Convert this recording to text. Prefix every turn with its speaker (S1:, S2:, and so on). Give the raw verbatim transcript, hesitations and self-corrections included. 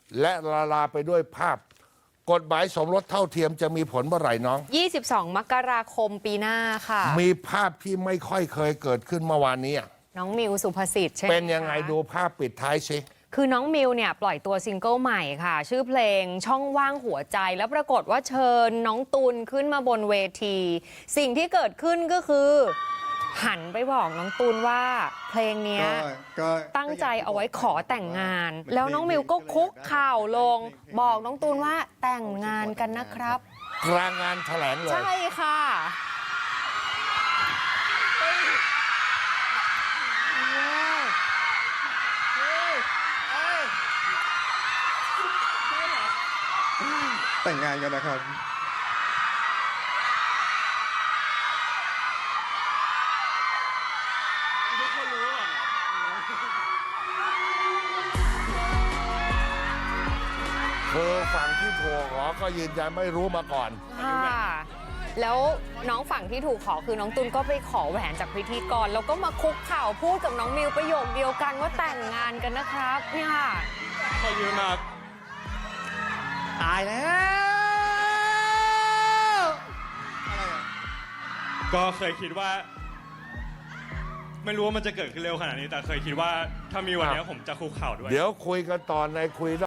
S1: และละลาไปด้วยภาพกฎหมายสมรสเท่าเทียมจะมีผลเมื่อไหร่น้อง
S2: ยี่สิบสอง มกราคมปีหน้าค่ะ
S1: มีภาพที่ไม่ค่อยเคยเกิดขึ้นเมื่อวานนี้
S2: น้องมิวสุภสิทธิ์ใช่ไหม
S1: เป็นยังไงดูภาพปิดท้ายสิ
S2: คือน้องมิวเนี่ยปล่อยตัวซิงเกิลใหม่ค่ะชื่อเพลงช่องว่างหัวใจแล้วปรากฏว่าเชิญน้องตุลขึ้นมาบนเวทีสิ่งที่เกิดขึ้นก็คือหันไปบอกน้องตูนว่าเพลงนี้ตั้งใจเอาไว้ขอแต่งงานแล้วน้องมิวก็คุกเข่าลงบอกน้องตูนว่าแต่งงานกันนะครับ
S1: กลางงานแถลงเลย
S2: ใช่ค่ะ
S3: แต่งงานกันนะครับ
S1: คือฝั่งที่ถูกขอก็ยืนยันไม่รู้มาก่อน
S2: ค่ะแล้วน้องฝั่งที่ถูกขอคือน้องตุลก็ไปขอแหวนจากพิธีกรแล้วก็มาคุกเข่าพูดกับน้องมิวประโยคเดียวกันว่าแต่งงานกันนะครับเนี่ยค่ะ
S4: ขอยืนมา
S3: ตายแล้วอะไรอ่ะ
S4: ก็เคยคิดว่า ไม่รู้ว่ามันจะเกิดขึ้นเร็วขนาดนี้แต่เคยคิดว่าถ้ามีวันนี้ผมจะคุกเข่าด้วย
S1: เดี๋ยวคุยกันต่อในคุย